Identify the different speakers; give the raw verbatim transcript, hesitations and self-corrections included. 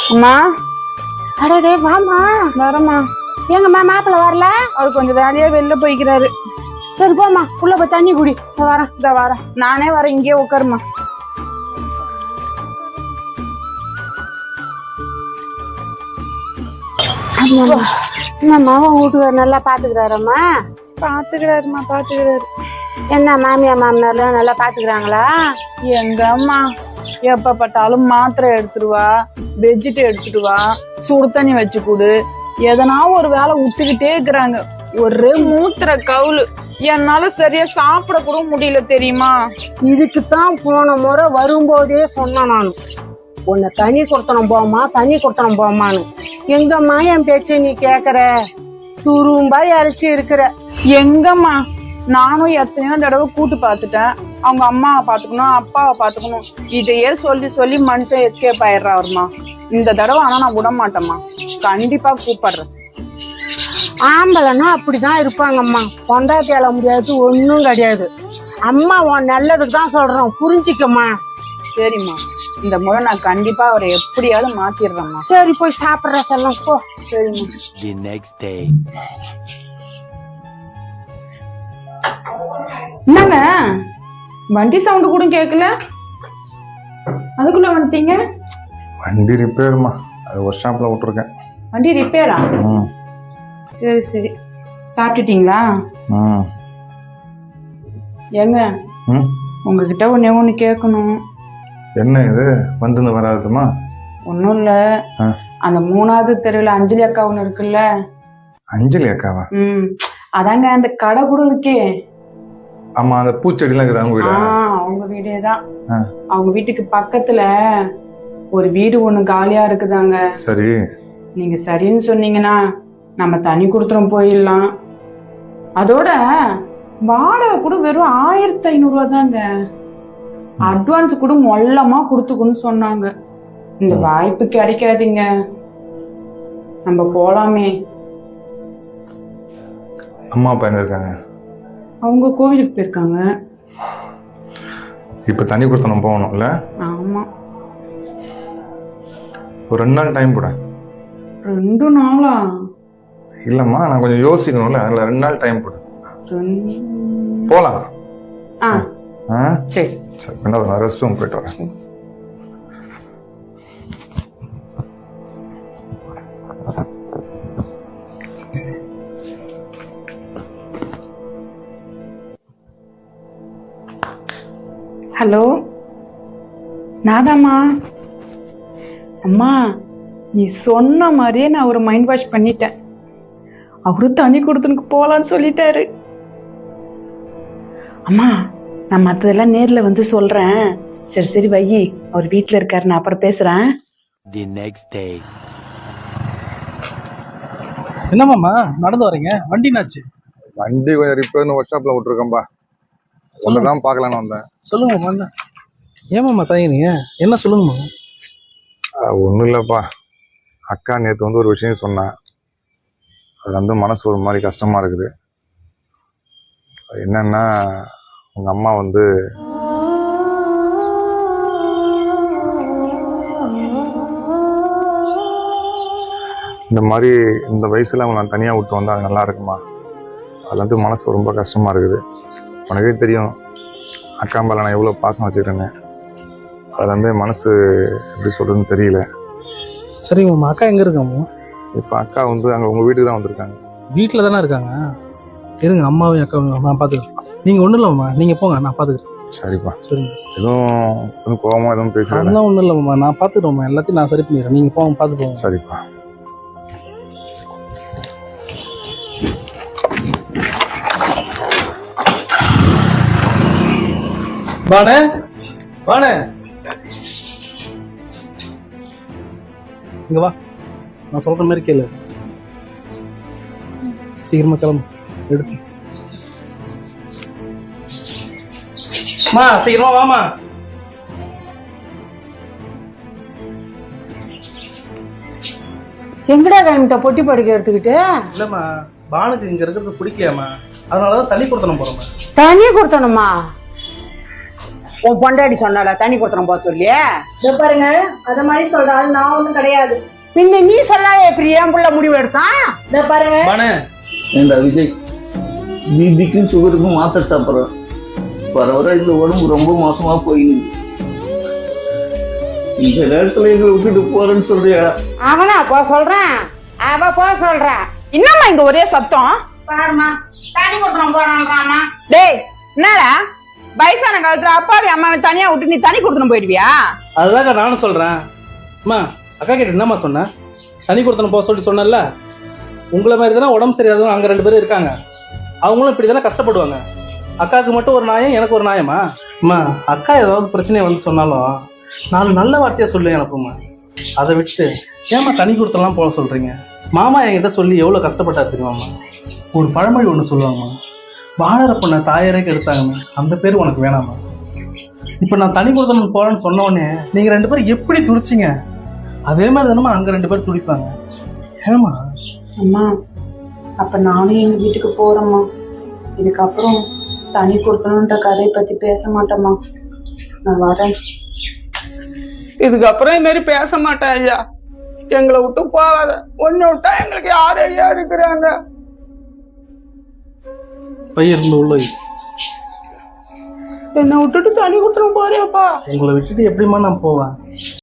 Speaker 1: அம்மா
Speaker 2: அடடே வாமா.
Speaker 1: வரமா.
Speaker 2: எங்கம்மா மாப்பிள்ள வரல?
Speaker 1: அவர் கொஞ்சம் வேலையா வெளில போய்க்கிறாரு.
Speaker 2: சரி போமா, உள்ள போய் தண்ணி குடி.
Speaker 1: வரேன் இந்த வரேன், நானே வரேன், இங்கே உட்காருமா.
Speaker 2: என்னம்மா உன் வீட்டுக்காரர் நல்லா பாத்துக்கிறாரம்மா?
Speaker 1: பாத்துக்கிறாருமா பாத்துக்கிறாரு.
Speaker 2: என்ன மாமியா மாமனார்லாம் நல்லா பாத்துக்கிறாங்களா?
Speaker 1: எங்க அம்மா எப்ப பார்த்தாலும் மாத்திரை எடுத்துருவா, பெட்ஷீட் எடுத்துட்டுவா, சுடு தண்ணி வச்சு கொடு, எதனா ஒரு வேலை விட்டுக்கிட்டே இருக்கிறாங்க. ஒரே மூத்திர கவுளு, என்னால சரியா சாப்பிட கூட முடியல தெரியுமா?
Speaker 2: இதுக்குத்தான் போன முறை வரும்போதே சொன்னேன் நான், உன்னை தண்ணி கொடுத்தனும் போமா தண்ணி கொடுத்தனும் போமான்னு. எங்கம்மா என் பேச்ச நீ கேக்குற? துரும்பா இறைச்சி இருக்கிற.
Speaker 1: எங்கம்மா நானும் எத்தனையோ தடவை கூட்டு பாத்துட்டேன். அவங்க அம்மாவை பாத்துக்கணும், அப்பாவை பாத்துக்கணும், இதையே சொல்லி சொல்லி மனுஷன் எஸ்கேப் ஆயிடுறாருமா. இந்த தடவை ஆனா நான் விட மாட்டேம்மா, கண்டிப்பா கூப்பிடுறேன்.
Speaker 2: ஆம்பளைன்னா அப்படிதான் இருப்பாங்கம்மா, பொண்டாட்டி அழ முடியாது, ஒன்னும் கிடையாது. அம்மா உன் நல்லதுக்கு தான் சொல்றோம், புரிஞ்சிக்கம்மா.
Speaker 1: சரிம்மா, இந்த முறை நான் கண்டிப்பா அவரை எப்படியாவது மாத்திடுறேம்மா.
Speaker 2: சரி போய் சாப்பிடுற செல்லம் போ.
Speaker 1: சரிம்மா. என்னங்க வண்டி சவுண்ட் கூட கேட்கல, அதுக்குள்ள வந்துட்டீங்க?
Speaker 3: வண்டி ரிப்பேருமா, அது ஒர்க் ஷாப்ல விட்டுருக்கேன்.
Speaker 1: வண்டி ரிப்பேரா? சரி சரி, சாப்பிட்டுட்டீங்களா? ஏங்க உங்ககிட்ட ஒன்னே ஒண்ணு கேட்கணும்.
Speaker 3: என்ன இது வந்து வராதுமா?
Speaker 1: ஒன்னும் இல்ல, அந்த மூணாவது தெருவில் அஞ்சலி அக்கா ஒண்ணு இருக்குல்ல.
Speaker 3: அஞ்சலி அக்காவா?
Speaker 1: ம் அதாங்க அந்த கடை கூட இருக்கே.
Speaker 3: ஆமா, அந்த பூச்செடி எல்லாம் இருக்குது அவங்க வீடு.
Speaker 1: அவங்க வீடேதான். அவங்க வீட்டுக்கு பக்கத்துல ஒரு வீடு ஒண்ணு காலியா இருக்குதாங்க.
Speaker 3: சரி,
Speaker 1: நீங்க சரின்னு சொன்னீங்கன்னா நம்ம தனி கொடுத்துரும் போயிடலாம். அதோட வாடகை கூட வெறும் ஆயிரத்தி ஐநூறு ரூபா தாங்க. அட்வான்ஸ் கூட மொல்லமா கொடுத்துக்குன்னு சொன்னாங்க. இந்த வாய்ப்பு கிடைக்காதீங்க, நம்ம போலாமே.
Speaker 3: அம்மா அப்பா எங்க இருக்காங்க?
Speaker 1: அவங்க கோவிலுக்கு போயிருக்காங்க.
Speaker 3: இப்ப தனி கொடுத்து நம்ம போகணும்ல?
Speaker 1: ஆமா.
Speaker 3: ஒரு ரெண்டு நாள் டைம் கூட.
Speaker 1: ரெண்டு நாளா?
Speaker 3: இல்லம்மா, நான் கொஞ்சம் யோசிக்கணும்ல, அதுல ரெண்டு நாள் டைம் கூட போலாம்.
Speaker 1: சரி
Speaker 3: சரி, நான் ரெஸ்ட் ரூம் போயிட்டு வரேன்.
Speaker 1: ஹலோ, நாதாம்மா. அம்மா நீ சொன்ன மாதிரியே நான் ஒரு மைண்ட் வாஷ் பண்ணிட்டேன். அவரு தண்ணி கொடுத்துனுக்கு போலான்னு சொல்லிட்டாரு. அம்மா நான் மற்றதெல்லாம் நேர்ல வந்து சொல்றேன். சரி சரி வை, அவர் வீட்டுல இருக்காரு, நான் அப்புறம் பேசுறேன்.
Speaker 4: என்னமாம்மா நடந்து வரீங்க? வண்டி என்னாச்சு?
Speaker 3: வண்டி கொஞ்சம் ரிப்பேர்னு ஒர்க் ஷாப்ல விட்டுருக்கேன்பா, சொல்லதான் பார்க்கலான்னு வந்தேன்.
Speaker 4: சொல்லுங்கம்மா. ஏமாம்மா தயங்குனீங்க? என்ன சொல்லுங்கம்மா.
Speaker 3: ஒன்றும் இல்லைப்பா, அக்கா நேற்று வந்து ஒரு விஷயம் சொன்னேன், அது வந்து மனசு ஒரு மாதிரி கஷ்டமா இருக்குது. என்னன்னா, உங்க அம்மா வந்து இந்த மாதிரி இந்த வயசுல அவங்க நான் தனியாக விட்டு வந்தா அது நல்லா இருக்குமா? அது வந்து மனசு ரொம்ப கஷ்டமா இருக்குது. உனக்கே தெரியும் அக்கா மேல நான் எவ்வளோ பாசம் வச்சுக்கிறேன்னு. அது வந்து மனசு எப்படி சொல்றதுன்னு தெரியல.
Speaker 4: சரிங்கம்மா, அக்கா எங்க இருக்காம்மா?
Speaker 3: இப்போ அக்கா வந்து அங்கே உங்க வீட்டுக்கு தான் வந்திருக்காங்க.
Speaker 4: வீட்டில் தானே இருக்காங்க? இருங்க, அம்மாவையும் அக்காவும் நான் பார்த்துக்கிறேன். நீங்கள் ஒன்றும் இல்லைம்மா, நீங்கள் போங்க, நான் பார்த்துக்கிறேன்.
Speaker 3: சரிப்பா.
Speaker 4: சரிங்க.
Speaker 3: எதுவும் எதுவும் கோவமா எதுவும் பேசுறேன்?
Speaker 4: அதெல்லாம் ஒன்றும் இல்லைம்மா, நான் பார்த்துக்கிறோம்மா, எல்லாத்தையும் நான் சரி பண்ணிடுறேன். நீங்கள் போங்க, பார்த்து போங்க.
Speaker 3: சரிப்பா.
Speaker 4: வாணே வாணே, இங்க வா, நான் சொல்ற மாதிரி கேளு. சீக்கிரமா கிளம்பு, எடுத்து மா, சீக்கிரமா வாமா.
Speaker 2: எங்கடா கிளம்பிட்ட பொட்டி படுக்க எடுத்துக்கிட்டு?
Speaker 4: இல்லம்மா, பானுக்கு இங்க இருக்கிறது பிடிக்கலையாமா, அதனாலதான் தண்ணி கொடுத்தனும் போறோம்.
Speaker 2: தண்ணி கொடுத்தனுமா? உன் பொண்டாடி சொன்னால தண்ணி கொடுத்துறோம் போக சொல்லி.
Speaker 5: இத பாருங்க, அத மாதிரி சொல்ற ஆள் நான் ஒண்ணும் கிடையாது.
Speaker 2: பின்ன நீ சொல்லாத எப்படி என் புள்ள முடிவு எடுத்தான்?
Speaker 5: இத பாருங்க,
Speaker 4: பானு
Speaker 6: ஏண்டா விஜய், பிபிக்கும் சுகருக்கும் மாத்திரை சாப்பிட்றேன். வர வர இந்த உடம்பு ரொம்ப மோசமா போயிருக்கு. இந்த நேரத்துல எங்களை விட்டுட்டு போறேன்னு சொல்றியா?
Speaker 2: அவனா போ சொல்றான், அவ போ சொல்றான்.
Speaker 1: என்னம்மா இங்க ஒரே சத்தம்?
Speaker 2: பாருமா தண்ணி கொடுத்துறோம் போறான்றாமா.
Speaker 1: டேய் என்னடா வயசான காலத்துல அப்பாவி அம்மாவை தனியா விட்டு நீ தனி கொடுத்துன்னு போயிடுவியா?
Speaker 4: அதுதாங்க நானும் சொல்றேன். அம்மா அக்கா கிட்ட என்னம்மா சொன்னேன்? தனி கொடுத்தன போக சொல்லி சொன்னல. உங்களை மாதிரி தானே உடம்பு சரியாதவங்க அங்க ரெண்டு பேரும் இருக்காங்க. அவங்களும் இப்படி தானே கஷ்டப்படுவாங்க. அக்காவுக்கு மட்டும் ஒரு நியாயம், எனக்கு ஒரு நியாயமா? அம்மா அக்கா ஏதாவது பிரச்சனையை வந்து சொன்னாலும் நாலு நல்ல வார்த்தையா சொல்லி அனுப்புமா. அதை விட்டு ஏமா தனி கொடுத்தலாம் போக சொல்றீங்க? மாமா என்கிட்ட சொல்லி எவ்வளவு கஷ்டப்பட்டா தெரியுமாம்மா? ஒரு பழமொழி ஒன்று சொல்லுவாங்கம்மா, வாழற பொண்ணை தாயாரேக்கு எடுத்தாங்கம்மா, அந்த பேர் உனக்கு வேணாமா? இப்ப நான் தனி கொடுத்தணும் போறேன்னு சொன்ன உடனே நீங்க ரெண்டு பேரும் எப்படி துடிச்சிங்க? அதே மாதிரி தானமா அங்க ரெண்டு பேரும் துடிப்பாங்க. ஏமா
Speaker 1: அம்மா அப்ப நானும் எங்க வீட்டுக்கு போறேம்மா. இதுக்கப்புறம் தனி கொடுத்தணுன்ற கதையை பத்தி பேச மாட்டேம்மா. நான் வரேன்.
Speaker 2: இதுக்கப்புறம் இது மாதிரி பேச மாட்டேன் ஐயா. எங்களை விட்டு போகாத. ஒன்னு விட்டா எங்களுக்கு யார் ஐயா இருக்கிறாங்க?
Speaker 4: பையன் உள்ள வை.
Speaker 2: என்னை விட்டுட்டு தனி கொடுத்துரும் போறியாப்பா?
Speaker 4: உங்களை விட்டுட்டு எப்படிமா நான் போவேன்?